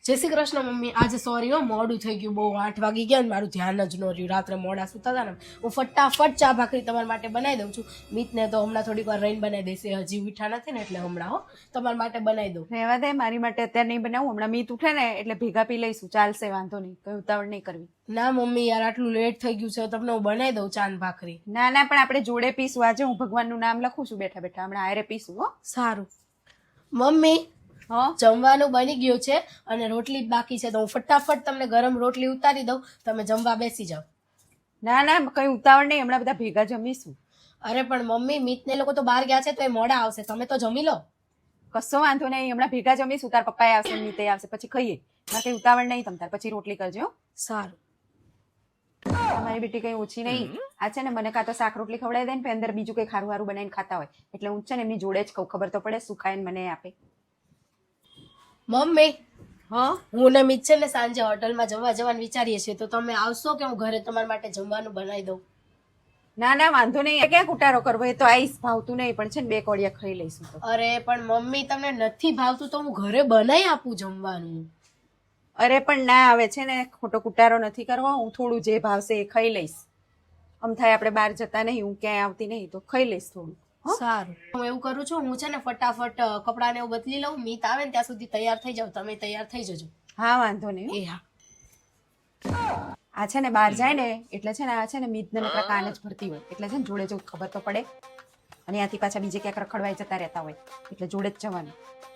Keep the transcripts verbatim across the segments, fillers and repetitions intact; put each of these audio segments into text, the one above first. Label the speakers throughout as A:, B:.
A: જય શ્રી કૃષ્ણ મમ્મી. આજે સોરી હો, મોડું થઈ ગયું, બહુ આઠ વાગી ગયા ને મારું ધ્યાન જ ન રહ્યું. રાત્રે મોડા સુતા હતા ને, હું ફટાફટ ચા ભાખરી તમારા માટે બનાવી દઉં છું. મિતને તો હમણાં થોડીક વાર રહીને બનાવી દઈશ, એ હજી ઉઠા નથી ને એટલે હમણાં હો તમારા માટે બનાવી દઉં.
B: રહેવા દે, મારી માટે અત્યારે નહીં બનાવું. હમણાં મીત ઉઠે ને એટલે ભેગા પી લઈશું, ચાલશે, વાંધો નહીં, કઈ ઉતાવળ નહીં કરવી.
A: ના મમ્મી યાર, આટલું લેટ થઈ ગયું છે, તમને હું બનાવી દઉં ચા ને ભાખરી.
B: ના ના, પણ આપણે જોડે પીશું. આજે હું ભગવાનનું નામ લખું છું બેઠા બેઠા, હમણાં આરે પીશું. હો
A: સારું મમ્મી,
B: હા
A: જમવાનું બની ગયું છે અને રોટલી જ બાકી છે, તો હું ફટાફટ તમને ગરમ રોટલી ઉતારી દઉં, તમે જમવા બેસી જાઓ.
B: ના ના, કઈ ઉતાવળ નહીં, હમણાં બધા ભેગા જમીશું.
A: અરે પણ મમ્મી, મિત ને લોકો તો બહાર ગયા છે તો એ મોડા આવશે, તમે તો જમી લો.
B: કશો વાંધો નહીં, હમણાં ભેગા જમીશું. તાર પપ્પા આવશે, મીતે આવશે, પછી ખાઈએ. મારે કઈ ઉતાવળ નહીં, તમ તાર પછી રોટલી કરજો.
A: સારું.
B: તમારી બેટી કઈ ઓછી નહીં. આ છે ને મને કાં તો શાક રોટલી ખવડાવી દે ને અંદર બીજું કઈ ખારું હારું બનાવીને ખાતા હોય, એટલે હું છે ને એમની જોડે જ કહું, ખબર તો પડે શું ખાઈને મને આપે.
A: મમ્મી,
B: હા
A: હું ને મિત છે ને સાંજે હોટલમાં જમવા જવાનું વિચારીએ છીએ, તો તમે આવશો કે હું ઘરે તમારા માટે જમવાનું બનાવી દઉં?
B: ના ના, વાંધો નહીં. ક્યાં કુટારો કરવો, એ તો આઈસ ભાવતું નહીં, પણ છે ને બે કોડિયા ખાઈ લઈશું. તો
A: અરે પણ મમ્મી, તમને નથી ભાવતું તો હું ઘરે બનાવી આપું જમવાનું.
B: અરે પણ ના, આવે છે ને ખોટો કુટારો નથી કરવો. હું થોડું જે ભાવશે એ ખાઈ લઈશ. આમ થાય આપણે બહાર જતા નહીં, હું ક્યાંય આવતી નહીં, તો ખાઈ લઈશ થોડું.
A: સારું, હું એવું કરું છું, હું છે ને ફટાફટ કપડાને એવું બદલી લઉં, મિત આવે ને ત્યાં સુધી તૈયાર થઈ જાવ, તમે તૈયાર થઈ જજો.
B: હા વાંધો નહીં.
A: એ હા.
B: આ છે ને બહાર જાય ને એટલે છે ને આ છે ને મીત ને નકરા કાન જ ભરતી હોય, એટલે છે ને જોડે જવું ખબર તો પડે. અને ત્યાંથી પાછા બીજે ક્યાંક રખડવાઈ જતા રહેતા હોય, એટલે જોડે જ જવાનું.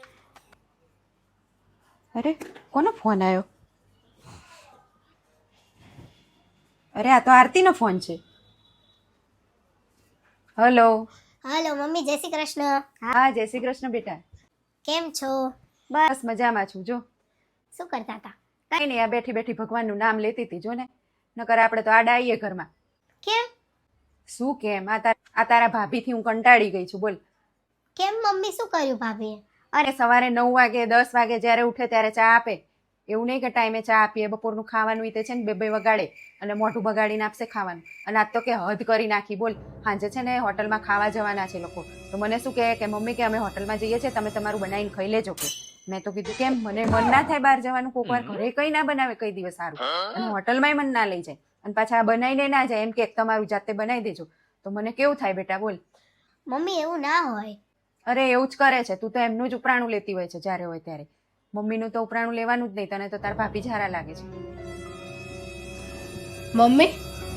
B: અરે કોનો ફોન આવ્યો? અરે આ તો આરતીનો ફોન છે. Hello.
C: Hello mummy, Jai Shri Krishna.
B: હા જય શ્રી કૃષ્ણ બેટા.
C: કેમ છો?
B: બસ મજામાં છું. જો
C: શું કરતા હતા?
B: કઈ નહીં, આ બેઠી બેઠી ભગવાનનું નામ લેતી હતી. જો ને, નકર આપણે તો આડા આવીએ ઘરમાં.
C: કેમ?
B: શું કેમ? આ તારા આ તારા ભાભીથી હું કંટાળી ગઈ છું. બોલ.
C: કેમ મમ્મી, શું કર્યું ભાભીએ?
B: અરે સવારે નવ વાગે દસ વાગે જ્યારે ઉઠે ત્યારે ચા આપે. એવું નહીં કે ટાઈમે ચા આપીએ. બપોરનું ખાવાનું ઈ તે છે ને બે બે વગાડે અને મોઢું બગાડીને આપશે ખાવાનું. અને આજ તો કે હદ કરી નાખી. બોલ, સાંજે છે ને હોટલમાં ખાવા જવાના છે લોકો, તો મને શું કહે કે મમ્મી કે અમે હોટલમાં જઈએ છીએ, તમે તમારું બનાવીને ખાઈ લેજો. કે મેં તો કીધું કેમ, મને મન ના થાય બહાર જવાનું, કોઈક વાર ઘરે કઈ ના બનાવે કઈ દિવસ સારું, અને હોટલમાંય મન ના લઈ જાય, અને પાછા બનાવીને ના જાય, એમ કે તમારું જાતે બનાવી દેજો. તો મને કેવું થાય બેટા? બોલ.
C: મમ્મી એવું ના હોય.
B: અરે એવું જ કરે છે તું તો. એમનું જ ઉપરાણું લેતી હોય છે જ્યારે હોય ત્યારે. મમ્મીનું તો ઉપરાણું લેવાનું જ નહીં. તને તો તાર ભાભી ઝારા લાગે છે.
A: મમ્મી,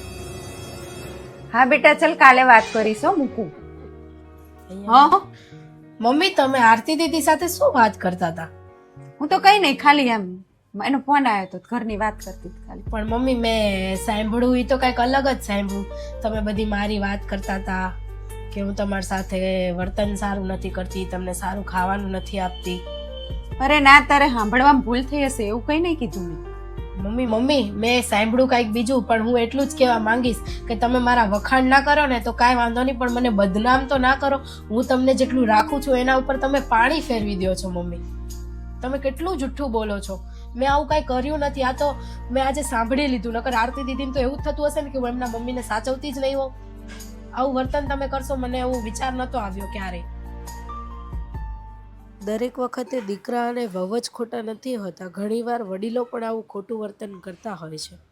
B: હા બેટા, ચલ કાલે વાત કરીશ. હો મૂકું. હા
A: મમ્મી, તમે આરતી દીદી સાથે શું વાત કરતા હતા?
B: હું તો કઈ નહીં, ખાલી એમ એનો ફોન આવ્યો તો ઘરની વાત કરતી હતી ખાલી.
A: પણ મમ્મી, મેં સાંભળ્યું એ તો કંઈક અલગ જ સાંભળ્યું. તમે બધી મારી વાત કરતા હતા કે હું તમારી સાથે વર્તન સારું નથી કરતી, તમને સારું ખાવાનું નથી આપતી.
B: અરે ના, તારે સાંભળવામાં ભૂલ થઈ હશે, એવું કઈ નહીં કીધું મેં.
A: મમ્મી મમ્મી મેં સાંભળ્યું કાંઈક બીજું, પણ હું એટલું જ કહેવા માંગીશ કે તમે મારા વખાણ ના કરો ને તો કાંઈ વાંધો નહીં, પણ મને બદનામ તો ના કરો. હું તમને જેટલું રાખું છું એના ઉપર તમે પાણી ફેરવી દો છો. મમ્મી, તમે કેટલું જુઠ્ઠું બોલો છો. મેં આવું કાંઈ કર્યું નથી. આ તો મેં આજે સાંભળી લીધું. નકર આરતી દીદીને તો એવું જ થતું હશે ને કે હું એમના મમ્મીને સાચવતી જ નહીં હોઉં. આવું વર્તન તમે કરશો, મને એવું વિચાર નહોતો આવ્યો ક્યારેય. દરેક વખતે દીકરા અને વહુ જ ખોટા નથી હોતા, ઘણીવાર વડીલો પણ આવું ખોટું વર્તન કરતા હોય છે.